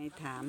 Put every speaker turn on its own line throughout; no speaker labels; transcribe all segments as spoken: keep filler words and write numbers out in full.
ถาม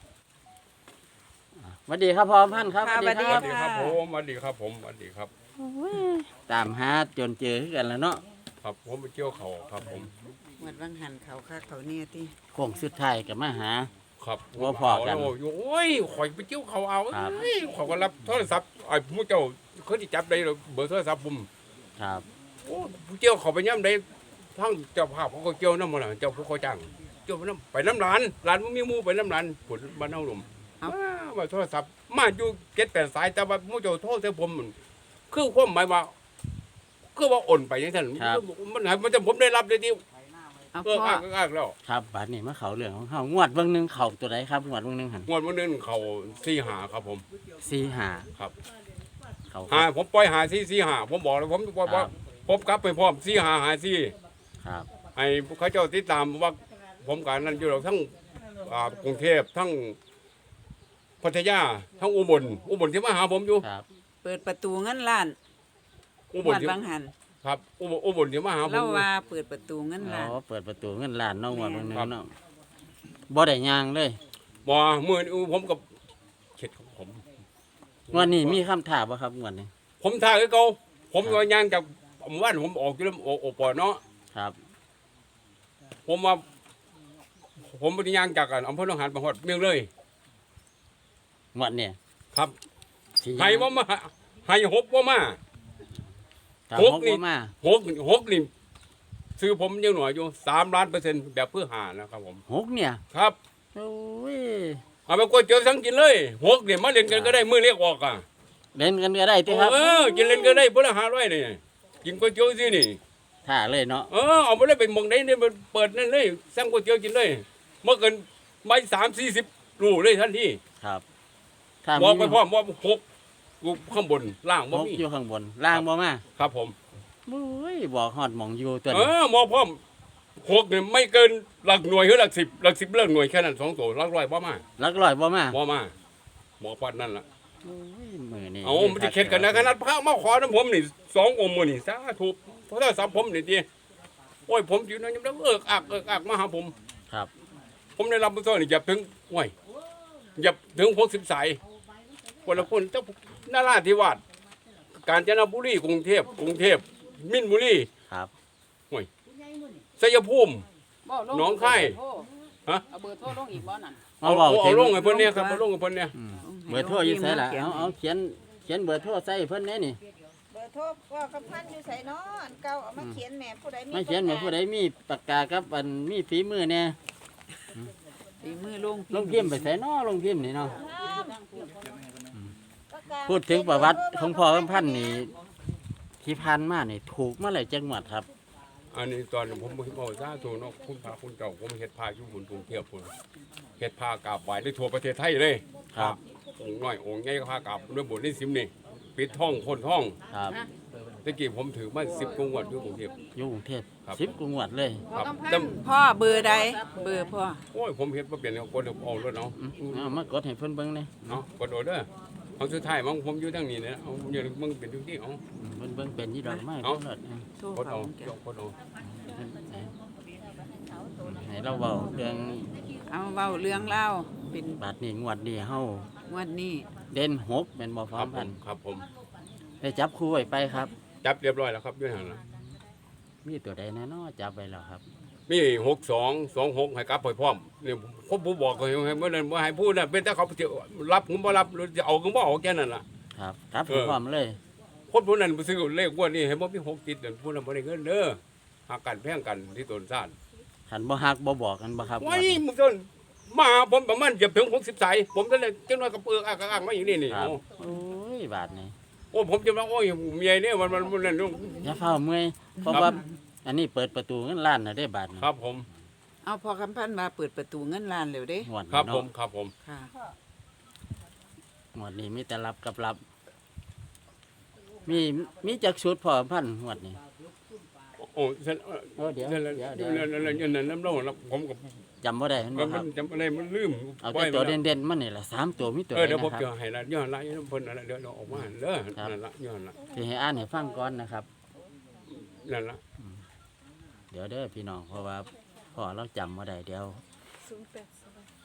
สวัสดีครับพ่อพันธุ์ครับ
ค่ะ
สวัสดีครับผมสวัสดีครับผมสวัสดีครับ
โอ้ยตามหาจนเจอคือกันแล้วเนาะ
ครับผมไปเที่ยวเขาครับผม
หมดวังหันเขาคักเขาเนี่ยติ
โค้งสุดท้ายกับมาหา
ครับ
ว่าพอกัน
โอ้ยโอ้ยข่อยไปเที่ยวเขาเอา
ครับ
เอ้ยเขาก็รับโทรศัพท์ไอ้ผู้เจ้าเขาที่จับได้เบอร์โทรศัพท์ผม
ครับ
โอ้ผู้เที่ยวเขาไปย่ำได้ทั้งเจ้าภาพเขาก็เกี่ยวน้ำมันเจ้าผู้เขาจ้างเกี่ยวไปน้ำไปน้ำร้านร้านมันมีหมูไปน้ำร้านผลบ้านเฮาหนุ่มว้าว่าโทรศัพท์มาอยู่เจ็ดแปดสายแต่ว่าผู้เจ้าโทรใส่ผมมันคือความหมายว่าคือว่าโอนไปอย่างนั้นมันหายมันจะผมได้รับเลยที่
เอา
เออ
พ่อ
อ้างอ้างแล้ว
ครับบัดนี้มาเขาเรื่องของเฮางวดเบิ่งหนึงเขาตัวใดครับงวดเบิ่งหนึงหัน
งวดวันนึงเขาสี่หาครับผม
สี่หา
ครับ
เขา
หาผมปล่อยหาสี่สี่หาผมบอกเลยผมบอกว่าผมกลับไปพร้อมสี่หาหาสี่
ครับ
ไอ้เขาเจ้าติดตามว่าผมการนั้นอยู่เราทั้งอ่ากรุงเทพทั้งพัทยาทั้งอุบลอุบลที่มาหาผมอยู่
ครับ
เปิดประตูเงินล้าน
อุ
ห
บ
ม
ล
ด
ที่
วังหัน
ครับอุบลอุบลที่มาหาผม
เล่า
อยู่
ว่าเปิดประตูเงิน
อ๋
ล้าน
อเปิดประตูเงินล้านเน้องงวดเบิ่งหนึง
ครับ
เนาะบ่ได้ย่างเลย
บ่เมื่อนี้ผมกับเข็ดของผม
งวดนี้มีคำถามบ่ครับงวดนี้
ผมท่าคือเก่าผมก็ย่างจากหมู่บ้านผมออกอยู่แล้วโอโอปอเนาะ
ครับ
ผมว่าผมปฏิญาณจากกันอำเภอหนองหานประหดเมียงเลย
งวดเนี่ย
ครับ
สิย่าง
ให้ว่ามาให้หกว่ามา
ครับ
หก
หก
นี่
บ่มา
หกหกนี่ซื้อผมยังหน่อยอยู่สามล้านเปอร์เซ็นต์แบบเพื่อหานะครับผม
หกเนี่ย
ครับ
โอ้ย
เอาไปกดเจอทั้งกินเลยหกเนี่ยมาเล่นกันก็ได้มือเรียกออกอ่ะ
เล่นกันก็ได้ติครับ
เออกินเล่นก็ได้เพื่อหาร้อยนี่กินก๋วยเตี๋ยวสินี่
ท่าเลยเนาะ
เออเอาไปเลยไปหมองได้เนี่ยมันเปิดนั่นเลยสั่งก๋วยเตี๋ยวกินเลยเมื่อเกินไม่สามสี่สิบรูเลยทันที
ครับ ถ้า
บอก
มี
ไปพร้อมว่าหกอยู่ข้างบนล่าง
ห
บ่
ก
มี
อยู่ข้างบนล่างบ่มา
ครับผม
โอ้ยบอกฮอดหมองอยู่ตัว
เอ
นี้
อหมอพร้อมหกเนี่ยไม่เกินหลักหน่วยหรือหลักสิบหลักสิบเลิกหน่วยแค่นั้นสองตัวหลักร้อยบ่มา
หลักร้อยบ่มา
บ่มาหมอปัดนั่นล่ะ
โอ้ยมือนี่
เอามันจะเข็ดกันนะขนาดพระมาขอน้ำผมนี่สององค์มือนี่สาธุเพราะถ้าสับผมนี่ดีโอ้ยผมอยู่นั่นยังได้เอิกอักเอิกอักมาหาผม
ครับ
ผมได้รับบุญส่วนนี่อย่าถึงโอ้ยอย่าถึงหกสิบสายคนละคนเจ้านาราธิวาสกาญจนบุรีกรุงเทพกรุงเทพมินบุรี
ครับ
ชัยภูมิ
บ่ล
หนองคาย ฮะ
เอาเบอร์โทรลงอีกบ่นั่น
เอา
เอา
เว้า
เอา
ถึง
ลงให้เพิ่นเนี่ยครับเอาลงให้เพิ่นเนี่ย
อืมเบอร์โทรอยู่ไสล่ะเอาเอาเขียนเขียนเบอร์โทรใส่เพิ่นแน่นี่
เบอร์โทรว่ากับพันอยู่ใส่เนาะอันเก่าเอามาเขียนแหม่ผู้ใดมี
ไม่เขียนเหมือนผู้ใดมีปากกากับอันมีฝีมือแน่
ตีมือลง
ลงพิมพ์ไปใส่น้อลงพิมพ์นี่เนาะ
ปากกา
พูดถึงประวัติของพ่อคำพันธุ์นี่ที่ผ่านมานี่ถูกมาหลายจังหวัดครับ
อันนี้ตอนผมบอกซาถูกเนาะคุณพาคุณเจ้าผมเฮ็ดพาอยู่บนกรุงเทพพุ่นเฮ็ดพากราบไหว้ได้ทั่วประเทศไทยเลย
ครับ
องค์น้อยองค์ใหญ่ก็พากราบด้วยบทนี้สิมนี่ปิดท่องพ่นท่อง
ครับ
ตะกี้ผมถือมาสิบกว่าอยู่กรุงเทพ
อยู่กรุงเทพ
ครับ
สิบกว่าจังหวัดเลย
ครับ
ต้อง
แต่
พัน
พ่อเบอร์ใดเบอร์พ่อ
โอ้ยผมเฮ็ดบ่เป็นคนเดียวเอาแล้วเนาะ
อืมเอามากดให้เพิ่นเบิ่งเลย
เนาะกดโดดเด้อเอาสุดท้ายมันผมอยู่ทางนี้นะเอาอย่ามึงเป็นทุกที่เอา
เพิ่นเบิ่งเป็นยี่ดอกไม้
เอา
เพิ่นเลิศนะ
โทร
กด
เขา
เอา
แก
ยกกดเอา
ให้เราเว้าเรื่อง
เอาเว้าเรื่องเล่าเป็น
บาดนี้งวดนี้เฮาง
วดนี้
เด่นหกเป็นบ่พ
ค
ร้อ
รั
ม
บผ
พัน
ม
ธุ์
ครับผม
ได้จับคู่ไว้ไปครับ
จับเรียบร้อยแล้วครับอยู่หั่นล่ะ
มีตัวใดแน่นอจับไปแล้วครับ
มีหกสองสองหกให้กลับไปพร้อมนี่ผมผู้บอกเขาให้เมื่อนั้นบ่ให้พูดน่ะเป็นแต่เขาสิรับผมบ่รับหรือจะเอาก็บ่เอาแค่นั้นล่ะ
ครับครับ
เออ
พร้อมเลย
คนผู้นั้นไปซื้อเลขงวดนี้ให้บ่มีหกติดนั่นผู้นั้นบ่ได้เงินเด้อหากันแพงกันที่ต้นซ่าน
ขันบ่ฮักบ่บอกกันบ่ครับ
ไว้มึงต้นมาหาผมประมาณจะถึงหกสิบสายผมจะเลยจังน้อยกับเปลือกอ่างอ่างมาอย่างนี้นี่
ครับ
โอ้
โอ้ยบาดนี้
โอ้ผมจะมาโอ้ยเมียเนี่ยมันมันมันนั่นนู่น
อย่าเฝ้าเมื่อยเพราะ
ครับ
ว่าอันนี้เปิดประตูเงินล้านน่ะได้บาดนี้
ครับผม
เอาพ่อคำพันธ์มาเปิดประตูเงินล้านเร็วเด้
งวด
ครับ
นี้
ผม
เนาะ
ครับผม
ค่ะ
งวดนี้มีแต่รับกับรับ มีมีจักชุดพอพันงวดนี้
โอ้เสร็จ
โอ้เดี๋ยว
เสร็จแล้ว
เดี๋ยวเดี๋ยว
นั่นนั่นนั่นนั่นน้ำร้อนผมกับ
จำบ่ได้เห็นบ่
มัน
ครับ
จำอะไรมันลืม
เอาแต่ตัวเด่นๆมันนี่ล่ะสามตัวมีตัว
เอ
ใด
อเดี๋ยวผม
นะค
จะ
รับ
ให้ละย้อนละย้อนเพิ่นอะไรเดี๋ยวเราออกมาเด้อ
ครับ
นั่นละย้อนละ
ที่ให้อ่านให้ฟังก่อนนะครับ
นั่นละ
เดี๋ยวเด้อพี่น้องเพราะว่าพ่อเราจำบ่ได้เดี๋ยว
ศูนย์แปดสอง
บ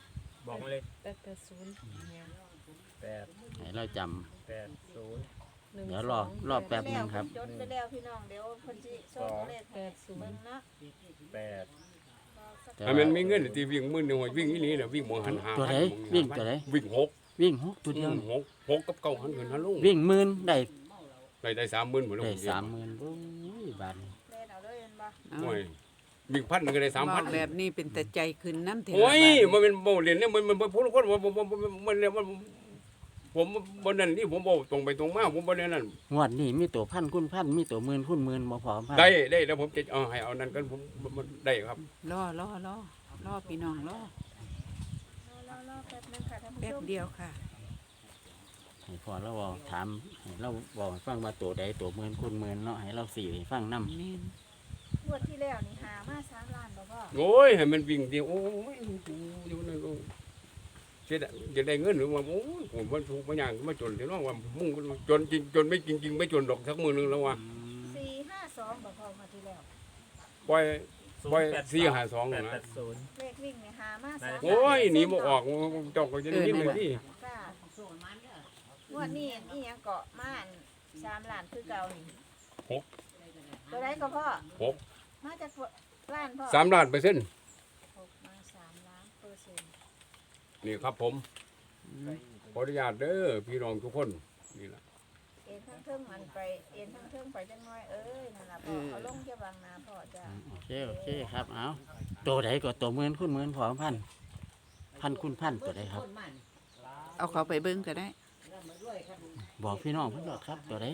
บอกมาเลย
แปดแปดศูนย์
แปด
ให้เราจำ
แปดศูนย์
หนึ่ง
เดี๋ยวรอ
สง
รอแป๊บ นึงครับ
จดไปแล้วพี่น้องเดี๋ยวเพิ่นสิโชว์เลข
แปดศูน
เบิ่ง
ย์
เนาะ
แปด
แต่
ถ้า
ว่า
มันมีเงินที่วิ่งมื้อหนึงวิ่งอีนี่น่ะวิ่งบ่หันหา
ตัวไหนวิ่งตัวไหน
วิ่งหก
วิ่งหกตัวเดียว
หกหกกับเก้าหันขึ้นหันลง
วิ่งหมื่นได้
ได้ได้สามหมื่นหมดแล้ว
ได้สามหมื่นโอ้ยบาทนี่
เล่นเอาเลยเห็นบ่
เอา
โอ้ยวิ่งพันหนึงก็ได้สาม
บ
พั
อน กแบบนี้เป็นแต่ใจขึ้นน้ำเถ
โอ้ย
บาด
มันเป็นโมเรียนเนี่ยมันมันมันพูดคนว่าผมผมมันเนี่ยมันผมบนนั้นนี่ผมบอกตรงไปตรงมาผมบนนั้น
งวดนี้มีตัวพันคุณพันมีตัวหมื่นคุณหมื่นบ่พอพัน
ได้ได้แล้วผมจะเอาให้เอานั้นกันผมมันได้ครับ
รอรอรอรอพี่น้องรอ
รอรอแป๊บนึงค่ะท่านผู้
แป๊
ช
บ
ม
เดียวค่ะ
ให้พอเราบอกถามให้เราบอกให้ฟังว่าตัวใดตัวหมื่นคุณหมื่นเนาะให้เราสี่ให้ฟังนำ
นี่
งวดที่แล้วนี่หามาสามล้านบ่พ่อ
โอ้ยให้มันวิ่งดีโอ้ยอยู่นั่นก็เสียดายจะได้เงินหรือว่าโอ้ยผมมันถูกมาอย่างมาจนที่น้องว่ามุ่งจนจริงจนไม่จริงจริงไม่จนดอกสักมือนึงแล้วว่า
สี่ห้าสองบ่พ่องวดที่แล้ว
ปล่อยปล่อยสี่หาสอง
แปด
นะ
แปดศูนย์
เลขวิ่งนี่หามาสาม
โอ้ยหนีบ่ออกจอกก็จะได้ยินเลยที่
ค่ะงวดนี้อีหยังเกาะม่านสามล้านคือเก่านี่
หก
ตัวไหนก็พ่อ
หก
มาจากล้านพ่อ
สามล้านเปอร์เซ็นต์
หกมาสามล้านเปอร์เซ็นต์
นี่ครับผมขออนุญาตเด้อพี่น้องทุกคนนี่แหละ
เอ็นทั้งเทิงมันไปเอ็นทั้งเทิงไปจังน้อยเอ้ยนั่นล่ะพ่อเอาลงจะบางนาพ่อจ้า
โอเคโอเคครับเอาตัวใดก็ตัวหมื่นคุณหมื่นพอพันพันคุณพันตัวใดครับ
เอาเขาไปเบิ้งก็ได้
บอกพี่น้องเพิ่นโลดครับตัวใด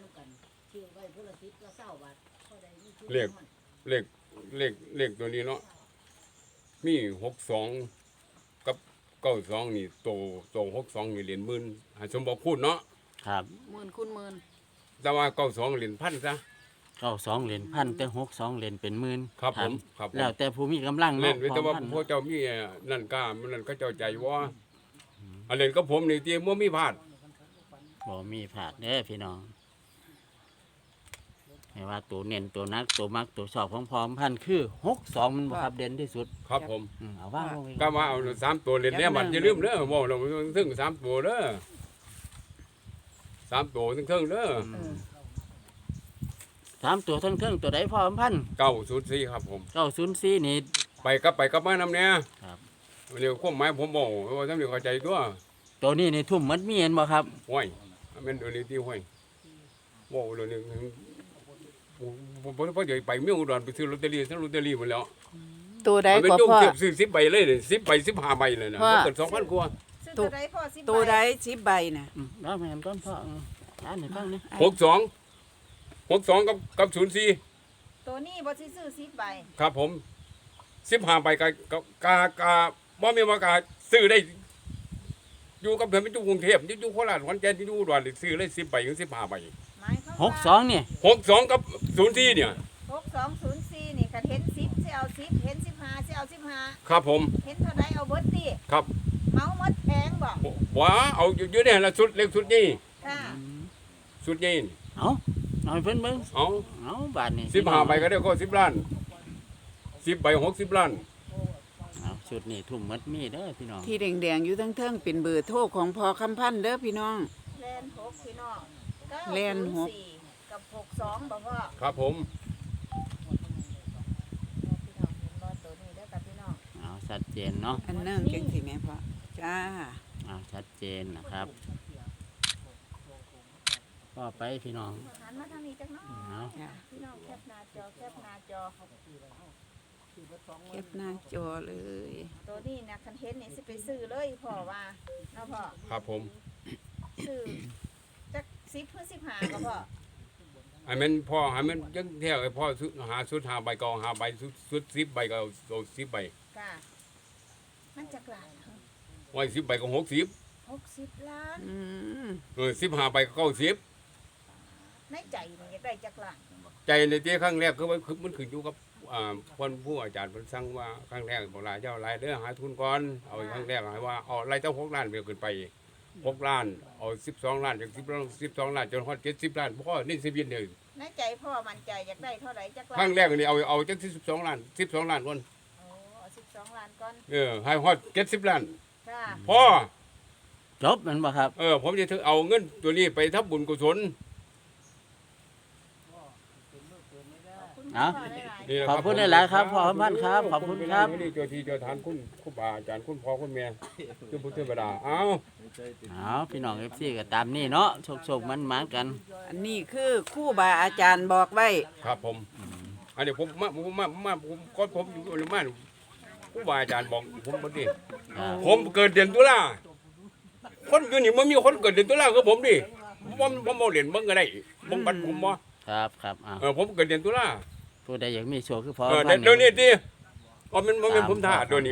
เลขเลขเลขเลขตัวนี้เนาะมีหกสองกับเก้าสองนี่โตโตหกสองนี่เหรียญหมื่นให้สมบอกพูดเนาะ
ครับ
หมื่นคุณหมื่น
แต่ว่าเก้าสองเหรียญพันซะ
เก้าสองเหรียญพันแต่หกสองเหรียญเป็นหมื่น
ครับผมครับผม
แล้วแต่ผู้มีกำลัง
เล่
เนาะ
นไว้แต่ว่า
พอพัน
พวกเจ้ามีนั่นกล้ามันนั่นก็เจ้าใจว่าอันเล่นก็ผมนี่ที่มั่มีพลาด
บ่มีผาดเด้อพี่น้องให้ว่าตัวเน้นตัวนักตัวมักตัวชอบของพร้อมพันคือหกสองมันบ่ครับเด่นที่สุด
ครับผม
อืมเอาว่างลงไป
ก็มาเอาสามตัวเล่นเนี่ยมันจะลืมเด้อบอกเราถึงสามตัวเด้อสามตัวถึงเทิงเด้อ
อืมสามตัวทั้งเทิงตัวใดพร้อมพัน
เก้าศูนย์สี่ครับผม
เก้าศูนย์สี่นี่
ไปกับไปกับมานำเนี่ย
ครับ
เดี๋ยวความหมายผมบอกว่าท่านเดี๋ยวเข้าใจตัว
ตัวนี้นี่ทุ่มหมัดมีเห็นบ่ครับ
ห้วยอันเป็นเดี๋ยวนี้ที่ห้วยบอกเดี๋ยวนี้ผมผมผมเดี๋ยวไปเมื่ออุดรไปซื้อลอตเตอรี่ซื้อลอตเตอรี่หมดแล้ว
ตัวใด
มันเป็น
ก็
ยุ่ง
พ่อ
เก็บซื้อสิบใบเลยเลยสิบใบสิบห้าใบเลยนะ
ว่า
เกิดสองพันกว่า
ซื้อตัวใดพ่อสิบ
ตัว
ใบ
ใดสิบใบน่ะ
อืมแล้วแม่นก้อนพ่ออืมอ่านให้ฟังนี่
หกสองหกสองกับกับศูนย์สี่
ตัวนี้บ่สิซื้อสิบใบ
ครับผมสิบห้าใบกากากากาบ่มีว่ากาซื้อได้ อยู่กับเพื่อนไปอยู่กรุงเทพอยู่โคราชขอนแก่นอยู่อุดรซื้อเลยสิบใบถึงสิบห้าใบ
หมายความ
ห
ว่าก
สองนี่
หกสองกับศูนย์สี่เนี่ย
หกสองศูนย์สี่นี่คันเห็นสิบสิเอาสิบเห็นสิบห้าสิเอาสิบห้า
ครับผม
เห็นเท่าใดเอาเบิดติ
ครับ
เมาหมดแพงบ่
ว้าเอาอยู่เนี่ยละสุดเล็กสุดนี่
ค่ะ
สุดนี่
เอาเอาให้เพิ่นเบิ่ง
เอา
เอาบาทนี่
สิบห้าใบก็ได้ก็สิบล้านสิบใบหกสิบล้าน
เอาชุดนี้ทุ่มหมัดมีเด้อพี่น้อง
ที่แดงๆอยู่ทั้งเทิงเป็นเบอร์โทรของพอคำพันธ์เด้อพี่น้อง
แลนหกพี่น้องเก้า
แล่นหก
ศูย์สี่กับหกสองบ่พ่อ
ครับผม
พี่น้องเห็นบ่ตัวนี้เด้อกับพี่น้อง
เอาชัดเจนเนาะ
อันเนื่องจังสิแม่พ่อจ้า
เอาชัดเจนนะครับก็ไปพี่น้อง
หันมาทางนี้จักหน้อย
เอา
จ้า
พี่น้องแคปหน้าจอแคปหน้าจอ
เก็บหน้าจอเลย
ตัวนี้นะคันเห็นนี่สิไปซื้อเลยพ่อว่าเนาะพ่อ
ครับผม
ซื้อจักสิบเพื่อสิบห้าก็พ่อ
ไอ้แมันพ่อไอ้แมันจังเที่ยวไอ้พ่อสุดหาสุดหาใบก็หาใบสุดสุดสิบใบก็เอาสิบใบ
ค่ะมันจักหลาน
ไว้สิบใบก็หกสิบ
หกสิบล้าน
อืม
เออสิบห้าใบก็เก้าสิบ
ในใจนี่อยากได้จักหลาน
ใจในที่ครั้งแรกคือว่าคือมันขึ้นอยู่กับอ่าคนผู้อาจารย์เพิ่นสั่งว่าครั้งแรกบอกลาเจ้ารายเด้อหาทุนก่อนเอาครั้งแรกให้ว่าเอารายเจ้าหกล้านไปขึ้นไปหกล้านเอาสิบสองล้านจากสิบล้านสิบสองล้านจนฮอดเจ็ดสิบล้านพ่อนี่สิบเย็นเลย
ในใจพ่อมั่นใจอยากได้เท่าไหร่จักหลา
ครั้
น
งแรกนี่เอาเอาจากสิบสองล้านสิบสองล้านก่อน
โอ้เอาสิบสองล้านก่อน
เออให้ฮอดเจ็ดสิบล้าน
ค่ะจ้า
พ่อ
จบแมันบ่ครับ
เออผมจะถึงเอาเงินตัวนี้ไปทำบุญกุศล
เอา
นี่แหละ
ขอบคุณหลายๆครับพ่อคำพันธ์ครับขอบคุณครับ
นี่เจ้าที่เจ้าทานคุณครูบาอาจารย์คุณพ่อคุณแม่คุณพุทธเทวดาเอา
เอาพี่น้องเอฟซีก็ตามนี่เนาะโชคๆมันมากัน
อันนี้คือครู่บาอาจารย์บอกไว้
ครับผมอันนี้ผมมาผมมามาผมก่อนผมอยู่ในบ้านครูบาอาจารย์บอกผมบ่ดี
ครับ
ผมเกิดเดือนตุลาคนอยู่นี่มันมีคนเกิดเดือนตุลาคือผมดิผมผมบ่เรียนเบิ่งก็ได้บ่บัดผมบ่
ครับครับเอา
เออผมเกิดเดือนตุลา
ผู้ใดอยากมีโชคคือพ่อ
เออ
คำพันธ์
เดี๋ยวนี้ติอ๋อมันมันเป็นผมท่าตัวนี้